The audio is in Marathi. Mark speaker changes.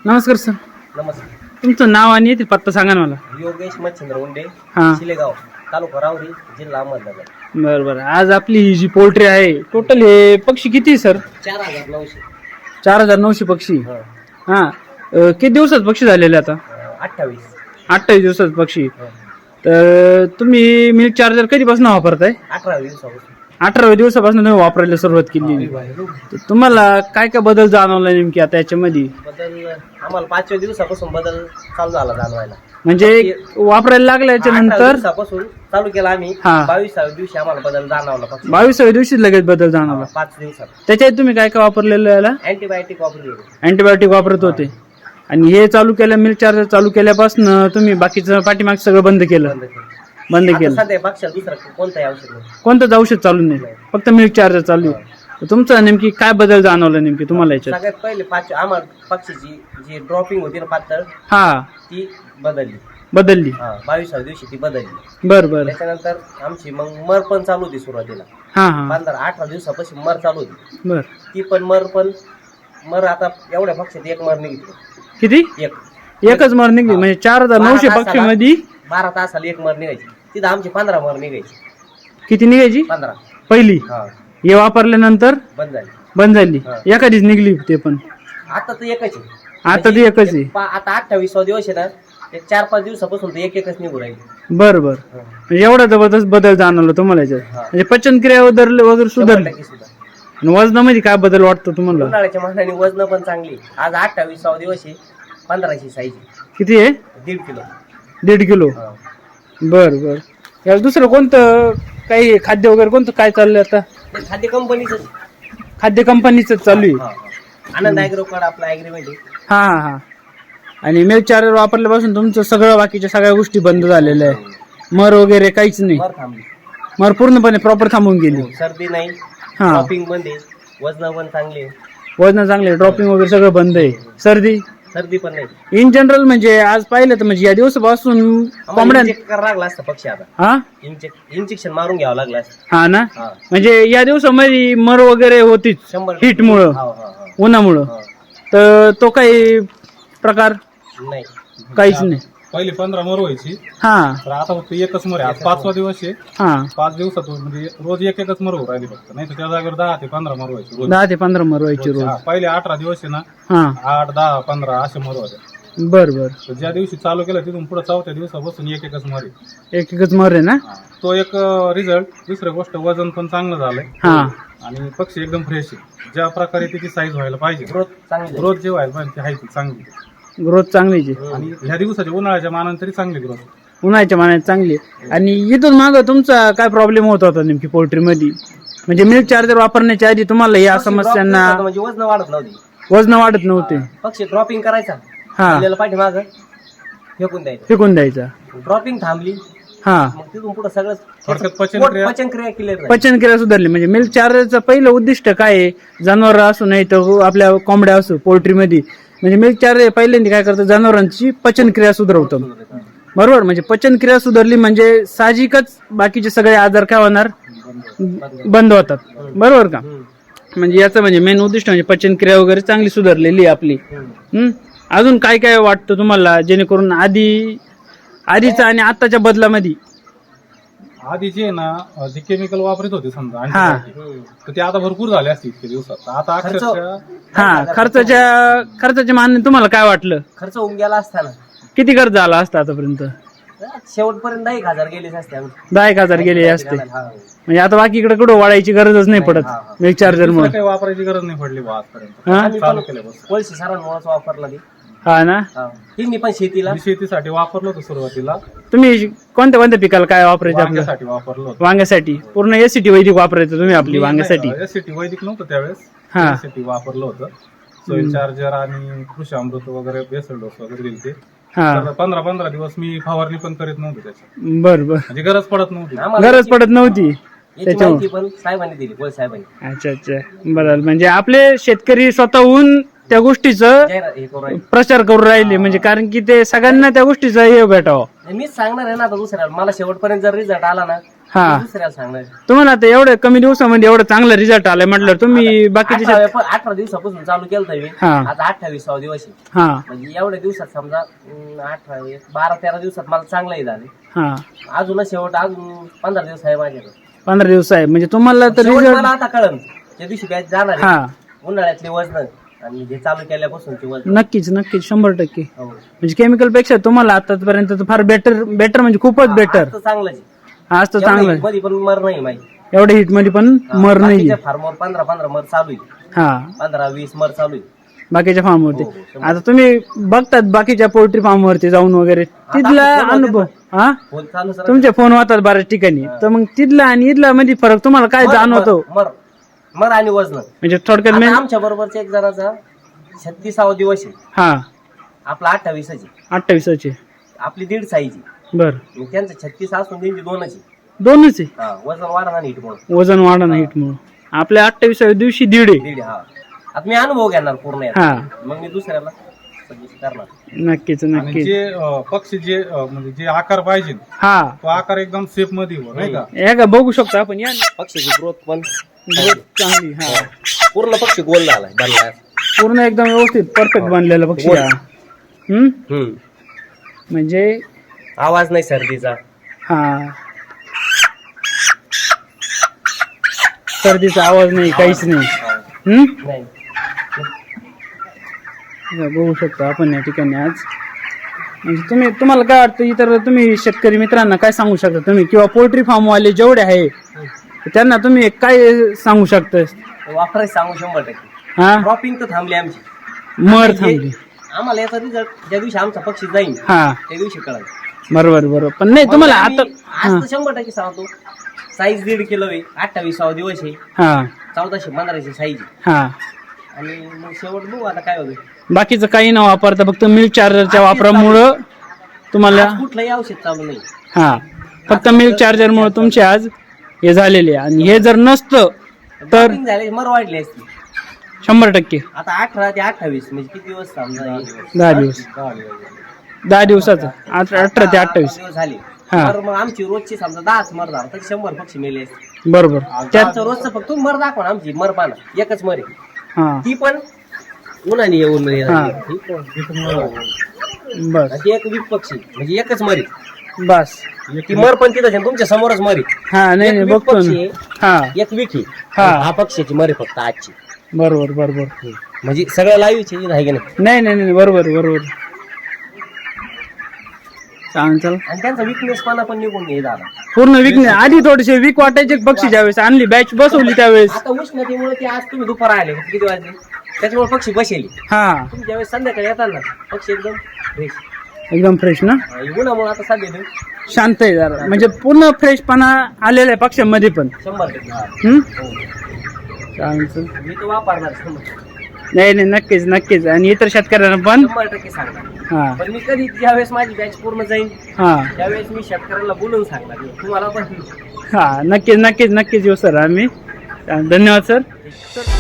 Speaker 1: नमस्कार सर.
Speaker 2: नमस्कार.
Speaker 1: तुमचं नाव आणि येथील पत्ता सांगा ना मला.
Speaker 2: योगेश मच्छिंद्र उंडे,
Speaker 1: हा.
Speaker 2: शिलेगाव, तालुका रावरी, जिल्हा अहमदनगर.
Speaker 1: बरं बरं. आज आपली ही जी पोल्ट्री आहे टोटल हे पक्षी किती सर?
Speaker 2: 4900.
Speaker 1: 4900 पक्षी.
Speaker 2: हा.
Speaker 1: हा. किती दिवसात पक्षी झालेले आता?
Speaker 2: 28.
Speaker 1: 28 दिवसात पक्षी.
Speaker 2: हा.
Speaker 1: तर तुम्ही मिल्क चार्जर कधीपासून वापरताय?
Speaker 2: 18 दिवसापासून.
Speaker 1: 18व्या दिवसापासून तुम्ही वापरायला सुरुवात केली. तर तुम्हाला काय काय बदल जाणवला नेमकी आता याच्यामध्ये?
Speaker 2: बदल आम्हाला 5व्या दिवसापासून बदल चालू झाला जाणवायला.
Speaker 1: म्हणजे वापरायला लागल्याच्या
Speaker 2: 18
Speaker 1: नंतर
Speaker 2: दिवसापासून चालू केला आम्ही.
Speaker 1: हा.
Speaker 2: 22व्या दिवशी आम्हाला बदल जाणवला फक्त.
Speaker 1: 22व्या दिवशी लगेच बदल जाणवला.
Speaker 2: 5 दिवसात.
Speaker 1: त्याच्यात तुम्ही काय काय वापरलेलं याला?
Speaker 2: अँटीबायोटिक वापरली.
Speaker 1: अँटीबायोटिक वापरत होते आणि हे चालू केलं, मिल्क चार्जर चालू केल्यापासून तुम्ही बाकीचं पाठीमाग सगळं बंद केलं? बंद
Speaker 2: आता
Speaker 1: केलं.
Speaker 2: सध्या पक्षाला दुसरं कोणताही औषध नाही.
Speaker 1: कोणतंच औषध चालू नाही, फक्त मिल्क चार्जर चालू आहे. तर तुमचं नेमकी काय बदल जाणवलं नेमकी तुम्हाला याच्यात?
Speaker 2: सगळ्यात पहिले आम्हाला पक्षीची जी ड्रॉपिंग होती ना पातळ,
Speaker 1: हा,
Speaker 2: ती बदलली. 22व्या दिवशी ती बदलली.
Speaker 1: बर बर.
Speaker 2: त्याच्यानंतर आमची मग मर पण चालू होती सुरुवातीला.
Speaker 1: हा हा
Speaker 2: 18 दिवसापासून मर चालू होती.
Speaker 1: बर.
Speaker 2: ती पण मर आता एवढ्या पक्षात एक मर निघली.
Speaker 1: किती? एकच मर निघली? म्हणजे 4900 पक्षी मध्ये
Speaker 2: 12 तासाला एक मर निघायची. तिथं आमची 15 मर निघायची.
Speaker 1: किती निघायची?
Speaker 2: 15.
Speaker 1: पहिली.
Speaker 2: हा.
Speaker 1: हे वापरल्यानंतर
Speaker 2: बंद झाली.
Speaker 1: बंद झाली.
Speaker 2: हा.
Speaker 1: एखादीच निघली ते पण?
Speaker 2: आता तर एकच आहे.
Speaker 1: आता ती एकच आहे.
Speaker 2: आता 28वा दिवस आहे ना, एक 4-5 दिवसापासून तर एकच निघू राहील.
Speaker 1: बर बर. म्हणजे एवढा जबरदस्त बदल जाणवला तुम्हाला याच्यात?
Speaker 2: हा.
Speaker 1: म्हणजे पचनक्रिया वगैरे सुधारली?
Speaker 2: 100% सुद्धा.
Speaker 1: आणि वजनामध्ये काय बदल वाटतो तुम्हाला?
Speaker 2: उन्हाळ्याच्या मानाने वजन पण चांगली. आज 28वा दिवस आहे. 15ची साईज.
Speaker 1: किती आहे?
Speaker 2: 1.5 किलो.
Speaker 1: 1.5 किलो.
Speaker 2: हा.
Speaker 1: बर बर. याला दुसरं कोणतं काही खाद्य वगैरे कोणतं काय चाललंय आता?
Speaker 2: ते खाद्य कंपनीचं.
Speaker 1: खाद्य कंपनीच चालू आहे?
Speaker 2: आनंद ॲग्रोकॉड आपला ॲग्रीमेंट आहे.
Speaker 1: हा हा हा. आणि मिल्क चार्जर वापरल्यापासून तुमचं सगळं बाकीच्या सगळ्या गोष्टी बंद झालेल्या आहे? मर वगैरे काहीच नाही?
Speaker 2: मर थांबली.
Speaker 1: मर पूर्णपणे प्रॉपर थांबून गेली?
Speaker 2: सर्दी नाही.
Speaker 1: हा.
Speaker 2: शॉपिंग बंद आहे. वजन पण चांगले.
Speaker 1: वजन चांगले, ड्रॉपिंग वगैरे सगळं बंद आहे?
Speaker 2: सर्दी पण नाही.
Speaker 1: इन जनरल म्हणजे आज पाहिलं तर म्हणजे या दिवसापासून कोंबड्या
Speaker 2: इंजेक्ट करावं लागला असतं पक्षी आता.
Speaker 1: हा
Speaker 2: इंजेक्शन मारून घ्यावं लागलं असतं.
Speaker 1: हा ना.
Speaker 2: हा.
Speaker 1: म्हणजे या दिवसामध्ये मर वगैरे होतीच
Speaker 2: 100%.
Speaker 1: हीट मुळे,
Speaker 2: हा, हा, हा.
Speaker 1: उन्हामुळं.
Speaker 2: हा.
Speaker 1: तर तो काही प्रकार
Speaker 2: नाही.
Speaker 1: काहीच नाही?
Speaker 3: पहिले 15 मर व्हायची,
Speaker 1: हा
Speaker 3: तर आता फक्त एकच मर आहे. आज 5वा दिवस आहे.
Speaker 1: हा.
Speaker 3: 5 दिवसातून म्हणजे रोज एकच मर होऊ राहिली फक्त. नाही तर त्या जागेवर 10 ते 15 मर व्हायची रोज.
Speaker 1: 10 ते 15 मर व्हायची रोज?
Speaker 3: हा, पहिले 18 दिवस आहे ना,
Speaker 1: हा.
Speaker 3: 8, 10, 15 असे मर होते.
Speaker 1: बर बर.
Speaker 3: तर ज्या दिवशी चालू केलं तिथून पुढे 4थ्या दिवसापासून एकच मर आहे.
Speaker 1: एकच मर आहे ना?
Speaker 3: हा. तो एक रिझल्ट. दुसरी गोष्ट वजन पण चांगलं झालंय
Speaker 1: हा.
Speaker 3: आणि पक्षी एकदम फ्रेश आहे. ज्या प्रकारे त्याची साईज व्हायला पाहिजे,
Speaker 2: ग्रोथ चांगली.
Speaker 3: ग्रोथ जे व्हायला पाहिजे ती आहे ती चांगली.
Speaker 1: ग्रोथ चांगलीच आहे
Speaker 3: आणि ह्या दिवसाच्या उन्हाळ्याच्या मानाने तरी चांगली ग्रोथ.
Speaker 1: उन्हाळ्याच्या मानाने चांगली आहे. आणि इथून मागं तुमचा काय प्रॉब्लेम होत होता नेमकी पोल्ट्री मध्ये? म्हणजे मिल्क चार्जर वापरण्याच्या आधी तुम्हाला या समस्यांना
Speaker 2: म्हणजे वजन वाढत नव्हती.
Speaker 1: वजन वाढत नव्हते?
Speaker 2: पक्षी ड्रॉपिंग करायचा,
Speaker 1: हा.
Speaker 2: आपल्याला पाठीमागं फेकून द्यायचं.
Speaker 1: फेकून द्यायचा?
Speaker 2: ड्रॉपिंग थांबली.
Speaker 1: हा.
Speaker 2: मग तिथून पुढे सगळं
Speaker 3: थोडक्यात पचनक्रिया
Speaker 2: पचनक्रिया क्लिअर.
Speaker 1: पचनक्रिया सुधारली. म्हणजे मिल्क चार्जरचं पहिलं उद्दिष्ट काय आहे? जनावर असू नाही तर आपल्या कोंबड्या असो पोल्ट्रीमध्ये, म्हणजे मिल्क चार्जर पहिल्यांदा काय करतं? जनावरांची पचनक्रिया सुधारवतं. बरोबर. म्हणजे पचनक्रिया सुधारली म्हणजे साहजिकच बाकीचे सगळे आजार काय होणार? बंद होतात. बरोबर का? म्हणजे याचं म्हणजे मेन उद्दिष्ट म्हणजे पचनक्रिया वगैरे चांगली सुधारलेली आहे आपली. अजून काय काय वाटतं तुम्हाला जेणेकरून आधीचा आणि आताच्या बदलामध्ये?
Speaker 3: आधी जे ना जे केमिकल वापरत होते समजा
Speaker 1: हा.
Speaker 3: antibiotic, तर ते आता भरपूर झाले असते इतके दिवसात. आता अक्षरशः
Speaker 1: हा. खर्चाच्या मानाने तुम्हाला काय वाटलं?
Speaker 2: खर्च होऊन गेला असताना
Speaker 1: किती खर्च झाला असता आतापर्यंत?
Speaker 2: शेवटपर्यंत 10,000 गेलेच असते.
Speaker 1: 10,000 गेले असते?
Speaker 2: हा.
Speaker 1: म्हणजे आता बाकीकडे कुठं वाढायची गरजच नाही पडत मिल्क चार्जर
Speaker 3: दुसरं
Speaker 1: मुळे?
Speaker 3: काही वापरायची गरज नाही पडली बा आजपर्यंत.
Speaker 1: हा?
Speaker 2: आम्ही
Speaker 3: चालू
Speaker 2: पण
Speaker 3: केल्यापासून
Speaker 2: कोळशी सरांमुळेच वापरला ती.
Speaker 1: हा ना.
Speaker 2: मी पण शेतीला
Speaker 3: मी शेतीसाठी वापरलं होतं सुरुवातीला.
Speaker 1: तुम्ही कोणत्या कोणत्या पिकाला काय वापरायचं आपलं?
Speaker 3: वांग्यासाठी वापरलं होतं.
Speaker 1: वांग्यासाठी पूर्ण एसीटी वैदिक वापरायचं तुम्ही आपली वांग्यासाठी?
Speaker 3: एससीटी वैदिक नव्हतं त्यावेळेस.
Speaker 1: हा.
Speaker 3: एससीटी वापरलं होतं. सोईल चार्जर आणि कृषी अमृत वगैरे बेसल डोस वगैरे दिले ते.
Speaker 1: हा.
Speaker 3: तर 15-15 दिवस मी फवारणी पण करीत नव्हती त्याची.
Speaker 1: बर बर.
Speaker 3: म्हणजे गरज पडत नव्हती.
Speaker 2: आम्हाला
Speaker 1: गरज पडत नव्हती
Speaker 2: याची
Speaker 1: त्याच्यामुळे?
Speaker 2: माहिती पण साहेबांनी दिली. कोळ साहेबांनी
Speaker 1: अच्छा अच्छा. बरं. म्हणजे आपले शेतकरी स्वतःहून त्या गोष्टीचं
Speaker 2: जाहिरात हे करू राहिले.
Speaker 1: प्रचार करू राहिले, म्हणजे कारण की ते सगळ्यांना त्या गोष्टीचा हे भेटावं.
Speaker 2: मीच सांगणार आहे ना आता दुसऱ्याला. मला शेवटपर्यंत जर रिझल्ट आला ना
Speaker 1: हा.
Speaker 2: मी दुसऱ्याला सांगणार.
Speaker 1: तुम्हाला आता एवढ्या कमी दिवसामध्ये एवढा चांगला रिझल्ट आलाय म्हटलं तुम्ही बाकीचे
Speaker 2: 18 दिवसापासून चालू केलं मी.
Speaker 1: हा.
Speaker 2: आता 28वा दिवस आहे.
Speaker 1: हा
Speaker 2: म्हणजे एवढ्या दिवसात समजा 12-13 दिवसात मला चांगलंही झाले.
Speaker 1: हा
Speaker 2: अजूनच शेवट अजून 15 दिवस आहे माझ्याकडे.
Speaker 1: 15 दिवस आहे म्हणजे तुम्हाला तर
Speaker 2: शेवट
Speaker 1: रिझल्ट
Speaker 2: मला आता कळन त्या दिवशी बॅच जाणार आहे.
Speaker 1: हा
Speaker 2: उन्हाळ्यातले वजन आणि हे चालू केल्यापासूनचे वजन.
Speaker 1: नक्कीच नक्कीच 100%.
Speaker 2: हो.
Speaker 1: म्हणजे केमिकल पेक्षा तुम्हाला आतापर्यंत तर फार बेटर म्हणजे खूपच बेटर.
Speaker 2: आज तर चांगलंच आहे.
Speaker 1: आज तर चांगलं आहे.
Speaker 2: मध्ये पण मर नाही माहिती.
Speaker 1: एवढ्या हिट मध्ये पण मर नाही.
Speaker 2: फार्मवर 15 मर चालू आहे.
Speaker 1: हा
Speaker 2: 15-20 मर चालू आहे.
Speaker 1: बाकीच्या फार्म वरती.
Speaker 2: हो, हो,
Speaker 1: आता तुम्ही बघतात बाकीच्या पोल्ट्री फार्म वरती जाऊन वगैरे तिथला
Speaker 2: आता फोन
Speaker 1: अनुभव
Speaker 2: होते
Speaker 1: हा
Speaker 2: फोन चालू सर.
Speaker 1: तुमचे फोन होतात बऱ्याच ठिकाणी तर मग तिथला आणि इथला मध्ये फरक तुम्हाला काय जाणवतो
Speaker 2: मर आणि वजन.
Speaker 1: म्हणजे थोडक्यात मेन
Speaker 2: आमच्या बरोबरचा एक जणाचा 36वा दिवस आहे.
Speaker 1: हा
Speaker 2: आपला 28ची
Speaker 1: 28चे
Speaker 2: आपली 1.5 साईची.
Speaker 1: बर
Speaker 2: त्यांचं 36 असून त्यांची 2ची.
Speaker 1: दोनच आहे
Speaker 2: वजन वाढणार नाही म्हणून.
Speaker 1: वजन वाढा नाही हिट म्हणून आपल्या 28व्या दिवशी 1.5 आहे.
Speaker 2: 1.5. हा. आता मी अनुभव घेणार पूर्ण याचा.
Speaker 1: हा
Speaker 2: मग मी दुसऱ्याला सजेस्ट करणार.
Speaker 1: नक्कीच
Speaker 3: आणि
Speaker 1: नक्कीच.
Speaker 3: जे पक्षी जे म्हणजे जे आकार पाहिजे
Speaker 1: हा
Speaker 3: तो आकार एकदम सेफ मध्ये हो, नाही का?
Speaker 1: हे का बघू शकतो आपण या ना.
Speaker 2: पक्षीची ग्रोथ पण
Speaker 1: चांगली हा
Speaker 2: पूर्ण पक्षी गोल झालाय बनलाय.
Speaker 1: पूर्ण एकदम व्यवस्थित परफेक्ट बनलेला पक्षी हा. म्हणजे
Speaker 2: आवाज नाही सर्दीचा.
Speaker 1: हा सर्दीचा आवाज नाही काहीच नाही.
Speaker 2: नाही.
Speaker 1: बघू शकतो आपण या ठिकाणी आज. म्हणजे तुम्हाला काय वाटतं इतर तुम्ही शेतकरी मित्रांना काय सांगू शकता तुम्ही किंवा पोल्ट्री फार्म वाले जेवढे आहे त्यांना तुम्ही काय सांगू शकता?
Speaker 2: वापरायचं सांगू 100%.
Speaker 1: हा
Speaker 2: क्रॉपिंग तर थांबली आमची.
Speaker 1: मर थांबली.
Speaker 2: आम्हाला याचा रिझल्ट ज्या दिवशी आमचा पक्षी जाईल
Speaker 1: हा
Speaker 2: त्या दिवशी कळाल.
Speaker 1: बरोबर पण नाही तुम्हाला आता
Speaker 2: आज तर 100% सांगतो. साईज 1.5 किलो आहे. 28वा दिवस आहे.
Speaker 1: हा
Speaker 2: 1415 साईज.
Speaker 1: हा
Speaker 2: आणि मग शेवट बघू आता काय होईल.
Speaker 1: बाकीचं काही न वापरता फक्त मिल्क चार्जरच्या वापरामुळं तुम्हाला
Speaker 2: आज कुठलंही औषध चालू नाही.
Speaker 1: हा फक्त मिल्क चार्जरमुळे तुमचे आज हे झालेले आहे. आणि हे जर नसतं तर
Speaker 2: Dropping झाले मर वाढली असती.
Speaker 1: 100%.
Speaker 2: आता 18 ते 28 म्हणजे किती दिवस समजा
Speaker 1: 10 दिवस 10 दिवसाचं 18 ते 28
Speaker 2: दिवस झाले.
Speaker 1: हा.
Speaker 2: तर मग आमची रोजची समजा 10 मर झाला तर 100 पक्षी मेले असते.
Speaker 1: बरोबर त्यात
Speaker 2: त्याचं रोजचं फक्त मर दाखवा ना. आमची मर पाना एकच मर आहे.
Speaker 1: हा
Speaker 2: ती पण उन्हाने येऊन
Speaker 1: हा. बस
Speaker 2: ती एक वीक पक्षी म्हणजे एकच मरी.
Speaker 1: बस
Speaker 2: ती मर पण तिथं आहे, तुमच्या समोरच मरी.
Speaker 1: हा नाही
Speaker 2: एक
Speaker 1: नाही
Speaker 2: वीक
Speaker 1: बघतो
Speaker 2: पक्षी
Speaker 1: ना.
Speaker 2: आहे.
Speaker 1: हा
Speaker 2: एक वीक आहे.
Speaker 1: हा.
Speaker 2: हा पक्षाची मरी फक्त आजची.
Speaker 1: बरोबर
Speaker 2: म्हणजे सगळं लाईव्हची आहे की नाही.
Speaker 1: नाही बरोबर चालेल
Speaker 2: आणि त्यांचा विकनेस पाना पण निघून हे झाला.
Speaker 1: पूर्ण वीक नाही. आधी थोडेसे वीक वाटायचे पक्षी ज्यावेळेस आणली बॅच बसवली त्यावेळेस
Speaker 2: आता उष्णतेमुळे ते आज तुम्ही दुपार आले किती वाजले त्याच्यामुळे पक्षी बसेली.
Speaker 1: हा
Speaker 2: तुम्ही ज्यावेळेस संध्याकाळी येतात ना पक्षी एकदम फ्रेश.
Speaker 1: एकदम फ्रेश ना.
Speaker 2: उन्हामुळे आता सध्या
Speaker 1: शांत आहे जरा म्हणजे पूर्ण फ्रेशपणा आलेला आहे पक्ष्यांमध्ये पण.
Speaker 2: 100%.
Speaker 1: चालेल
Speaker 2: मी तो वापरणार 100%.
Speaker 1: नाही नक्कीच आणि इतर शेतकऱ्यांना पण
Speaker 2: 100% सांगणार.
Speaker 1: हा
Speaker 2: पण मी कधी ज्यावेळेस माझी बॅच पूर्ण जाईल
Speaker 1: हा
Speaker 2: त्यावेळेस मी शेतकऱ्याला बोलून सांगणार तुम्हाला पण.
Speaker 1: हा नक्कीच येऊ सर आम्ही. धन्यवाद सर.